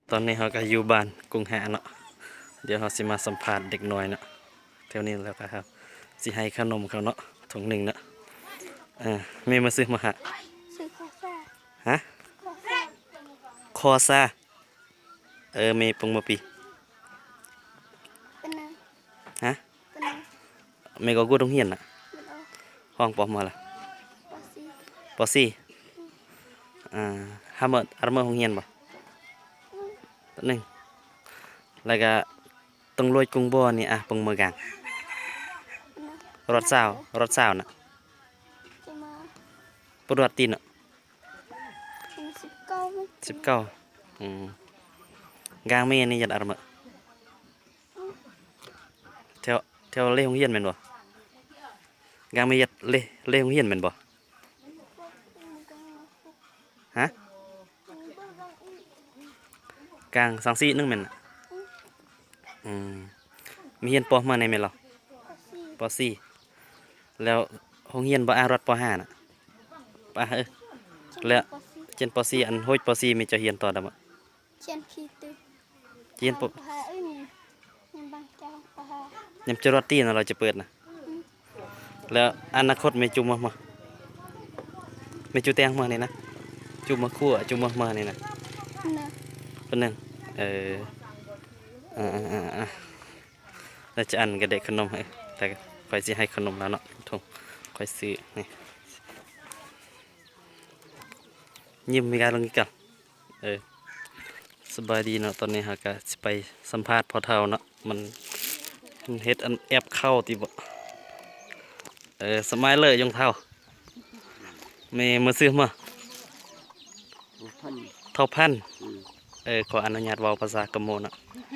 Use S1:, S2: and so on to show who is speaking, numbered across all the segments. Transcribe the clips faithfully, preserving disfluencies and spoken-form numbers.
S1: ตอนนี้เขาก็อยู่บ้านกรุงหาเนาะเดี๋ยวเขาสิมาสัมภาษณ์เด็กน้อยเนาะแถวนี้แล้วก็ครับสิให้ขนมเขาเนาะถุงหนึ่งเนาะเออแม่มาซื้อมาหา
S2: ซื้อคอซ่า
S1: ฮะ
S2: คอซ่า
S1: คอซาเออแม่ปงมาปี
S2: เป็นนัง
S1: ฮะ
S2: เป็นนัง
S1: แม่ก็กูต้องเฮียนน่ะ
S2: เป็นเอา
S1: ห้องปอมาละ
S2: ปอซี
S1: ปอซี่อ่าฮามเมอร์อาร์เมอร์ห้องเฮียนบ่ตัวหนึ่งแล้วก็ต้องลอยกรุงบ่อนี่อ่ะปงมือกลาง
S2: เป็นนัง
S1: รถสาวรถสาวน่ะ
S2: จะมา
S1: ปรวดตีนเนาะ
S2: เป็นสิบเก้าไหม
S1: สิบเก้าอืมกลางแม่นี่ยัดอาร์เมอร์แถวแถวเล่ห้องเฮียนแม่นบ่กลางแม่ยัดเล่เล่ห้องเฮียนแม่นบ่ฮะกลางสังสีนึงแม่นน่ะอืมมีเฮียนปอมาในแม่นเหรอ
S2: ปอซี
S1: ปอสี่แล้วห้องเฮียนบ่อารถปอห้าน่ะปะเออแล้ว
S2: ปอซี
S1: เจนปอสี่อันโฮยปอสี่มีจะเฮียนต่อดำอ่ะ
S2: เชียนพีตือ
S1: เฮียนปอ
S2: ปะฮาเอ้ยนี่ยังบางเจ้าปะฮาย
S1: ำจรวดตีน่ะเราจะเปิดนะแล้วอนาคตไม่จุมมามาไม่จุแตงมานี่นะจุมมาคั่วจุมมามานี่นะ
S2: นะ
S1: เป็นหนึ่งเอออ่าอ่าอ่าแล้วจะอันก็ได้ขนมให้แต่คอยสิให้ขนมแล้วเนาะทงคอยซื้อนี่ยิ้มมีการลงอีกกันเออสบายดีเนาะตอนนี้ฮะก็สิไปสัมภาษณ์พอเท่าเนาะมันมันเฮ็ดอันแอปเข้าติบ่เออสมัยเลยยงเท่าแม่มาซื้อมาเท่าพันเออขออนุญาตเว้าภาษากะโมเนาะ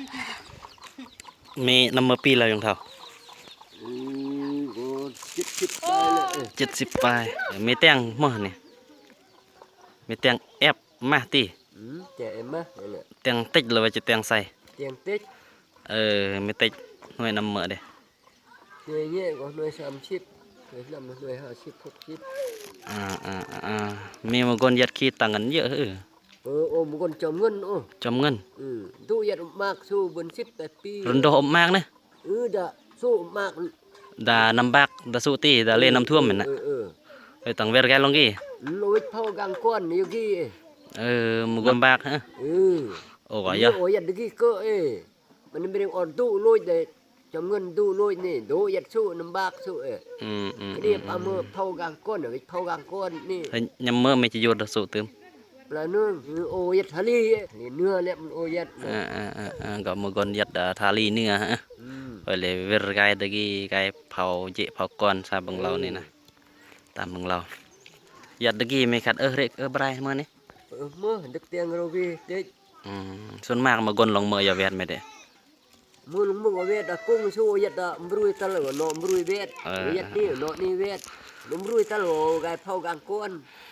S1: แม่นำมาปีแล้วยงเท่า
S3: อืมโอ้จิบจิบได้เลยเอ้ย
S1: เจ็ดสิบปลายเออแม่แต่งมาเนี่ยแม่แต่งแอปมาติ
S3: อืมแจกเอ็มมะนั่นแหละ
S1: แต่งติดเลยว่าจะแต่งใส่
S3: เตียงติ๊ก
S1: เออไม่ติดหน่วยนำเหมือเด้
S3: หน่วยเงี้ยก็หน่วยสามชิบหน่วยนำหน่วยห้าชิบหกชิบ
S1: อ่าอ่าอ่ามีบางคนยัดขี้ตังกันเยอะเออ
S3: เออโอ้มงคนจอมเงินโอ้
S1: จำเงิน
S3: อืมตู้ยัดมากสู้บนสิบแปดปี
S1: รุนโดมมากนะ
S3: เออดะสู้มาก
S1: ดานำบักดาสุตีดาเล่น้ำท่วมเหมือนน่ะ
S3: เออเออ
S1: ไปตังเวรแกลงกี้
S3: โลยเท่ากลางก้อนนี่กี้
S1: เออมุกลำบากฮะ
S3: เออ
S1: โอ้ยยะ
S3: โอ้ยัดกี้ก็เอ้มันไม่ได้อ่อนตู้โลยแต่จอมเงินตู้โลยนี่ดูยัดสู้น้ำบากสู้เอ้
S1: อืมอืม
S3: เรียบเอามือเท่ากลางก้อนเอ้เท่ากลางก้อนนี่
S1: เฮ้ยยำเมื่อไม่จะโยนดาสุตึม
S3: ปลาเนื้อโอยัดทะเลนี่เนื้อเนี่ยมันโอยัด
S1: อ่าอ่าอ่าอ่าก็มุกคนยัดดาทาลีเนื้อฮะ
S3: อืม
S1: ไปเลยเวรไกตะกี้ไกเผาเจเผาก้อนซาบังเรานี่นะตามบังเรายัดตะกี้ไม่ขัดเออเรกเออบรายมานี่
S3: เออมื่อดึกเตียงเราพี่เด็ก
S1: อืมส่วนมากมากนลงมืออย่าแวดไม่ได้
S3: มือลงมือเวทอะกุ้งสู้ยัดอะมรุยตะลอโนมรุยเวทยัดนี่โนนี่เวทลมรุยตะลอกายเผากลางก้น
S1: อ